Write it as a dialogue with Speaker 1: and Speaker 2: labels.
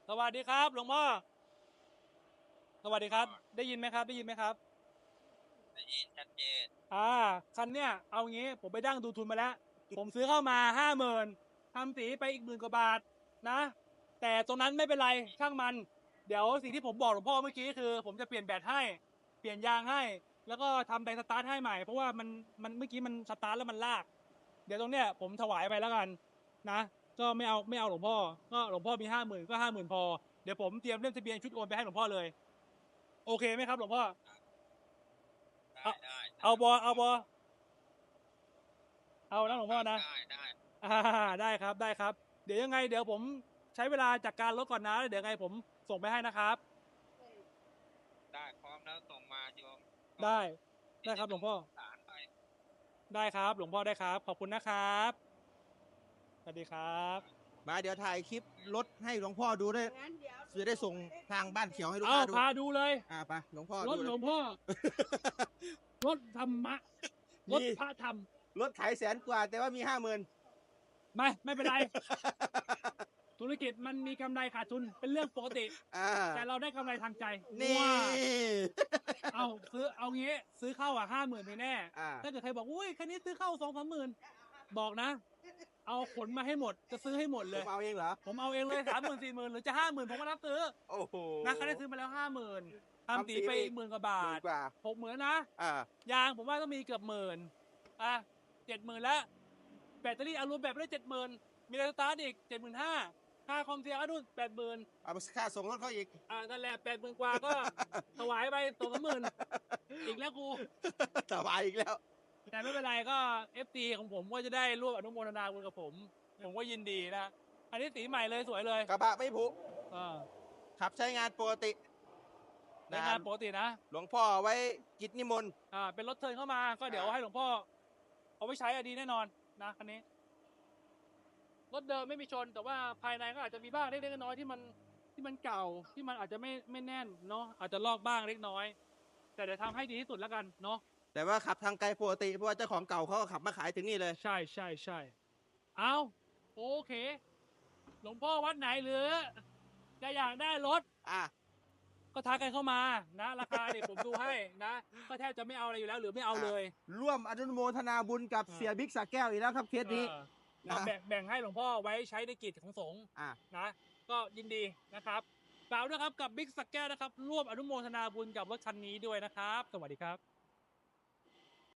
Speaker 1: สวัสดีครับหลวงพ่อสวัสดีครับได้ยินไหมครับได้ยินไหมครับ
Speaker 2: ได้ยินชัดเจน
Speaker 1: คันเนี้ยเอางี้ผมไปดั้งดูทุนมาแล้วผมซื้อเข้ามา50,000ทำสีไปอีก10,000 กว่าบาทนะแต่ตรงนั้นไม่เป็นไรช่างมันเดี๋ยวสิ่งที่ผมบอกหลวงพ่อเมื่อกี้คือผมจะเปลี่ยนแบตให้เปลี่ยนยางให้แล้วก็ทำแบงสตาร์ทให้ใหม่เพราะว่ามันเมื่อกี้มันสตาร์ทแล้วมันลากเดี๋ยวตรงเนี้ยผมถวายไปแล้วกันนะก็ไม่เอาหลวงพ่อก็หลวงพ่อมี50,000ก็50,000พอเดี๋ยวผมเตรียมเล่มทะเบียนชุดโอนไปให้หลวงพ่อเลยโอเคไหมครับหลวงพ่อเอา
Speaker 2: ได้
Speaker 1: เอาบอเอานะหลวงพ่อนะ
Speaker 2: ได้
Speaker 1: อ่าได้ครับได้ครับเดี๋ยวยังไงเดี๋ยวผมใช้เวลาจัดการรถก่อนนะเดี๋ยวยังไงผมส่งไปให้นะครับ
Speaker 2: ได้พร้อมแล้วส่งมาโยม
Speaker 1: ได้ได้ครับหลวงพ่อ
Speaker 2: สารไป
Speaker 1: ได้ครับหลวงพ่อได้ครับขอบคุณนะครับสวัสดีครับ
Speaker 3: มาเดี๋ยวถ่ายคลิปรถให้หลวงพ่อดูด้วยจะได้ส่งทางบ้านเขียวให้ลูก
Speaker 1: เอา
Speaker 3: ค้าดู
Speaker 1: พาดูเลย
Speaker 3: ไปหลวงพ่อ
Speaker 1: รถ
Speaker 3: ดู
Speaker 1: หล
Speaker 3: เล
Speaker 1: วย งพ่อรถธรรมะรถพระธรรม
Speaker 3: รถขาย100,000 กว่าแต่ว่ามี 50,000
Speaker 1: ไม่เป็นไรธุรกิจมันมีกำไรขาดทุนเป็นเรื่องปกติแต่เราได้กำไรทางใจ
Speaker 3: นี่
Speaker 1: ว้าเอางี้ซื้อเข้า50,000ไปแน่ถ้าเกิดใครบอกอุ้ยคันนี้ซื้อเข้า2-3 หมื่นบอกนะเอาขนมาให้หมดจะซื้อให้หมดเลย
Speaker 3: ผมเอาเองเหรอ
Speaker 1: ผมเอาเองเลย30,000 40,000หรือจะ50,000ผมก็รับซื้อ
Speaker 3: โอ้โห
Speaker 1: นะคันนี้ซื้อมาแล้ว50,000ทำตีไป10,000 กว่าบาท60,000นะยางผมว่าต้องมีเกือบ10,00070,000แล้วแบตเตอรี่อารมณ์แบบได้70,000มีแรงสตาร์ทอีก75,000ค่าคอมเสียก็นู่น80,000
Speaker 3: เอาไปค่าส่งรถเขาอีก
Speaker 1: นั่นแหละ80,000 กว่าก็ถวายไป2-3 หมื่นอีกแล้วกู
Speaker 3: สบายอีกแล้ว
Speaker 1: แต่ไม่เป็นไรก็ FT ของผมก็จะได้ร่วมอนุโมทนาบุญกับผมก็ยินดีนะอันนี้สีใหม่เลยสวยเลย
Speaker 3: กระบะไม่ผุขับใช้งานปกติ
Speaker 1: ใช้งานปกตินะ
Speaker 3: หลวงพ่อไว้กิจนิมนต์
Speaker 1: เป็นรถเทิร์นเข้ามาก็เดี๋ยวให้หลวงพ่อเอาไว้ใช้ดีแน่นอนนะคันนี้รถเดิมไม่มีชนแต่ว่าภายในก็อาจจะมีบ้างเล็กๆน้อยๆที่มันเก่าที่มันอาจจะไม่แน่นเนาะอาจจะลอกบ้างเล็กน้อยแต่เดี๋ยวทำให้ดีที่สุดแล้วกันเนาะ
Speaker 3: แต่ว่าขับทางไกลปกติเพราะว่าเจ้าของเก่าเขาก็ขับมาขายถึงนี่เลย
Speaker 1: ใช่เอาโอเคหลวงพ่อวัดไหนหรือจะอยากได้รถก็ทักกันเข้ามานะราคาเนี่ยผมดูให้นะก็แทบจะไม่เอาอะไรอยู่แล้วหรือไม่เอาเลย
Speaker 3: ร่วมอนุโมทนาบุญกับเสียบิ๊กสระแก้วอีกแล้วครับเคสนี้
Speaker 1: แบ่งให้หลวงพ่อไว้ใช้ในกิจของสงฆ์นะก็ยินดีนะครับกล่าวด้วยครับกับบิ๊กสระแก้วนะครับร่วมอนุโมทนาบุญกับรถคันนี้ด้วยนะครับสวัสดีครับ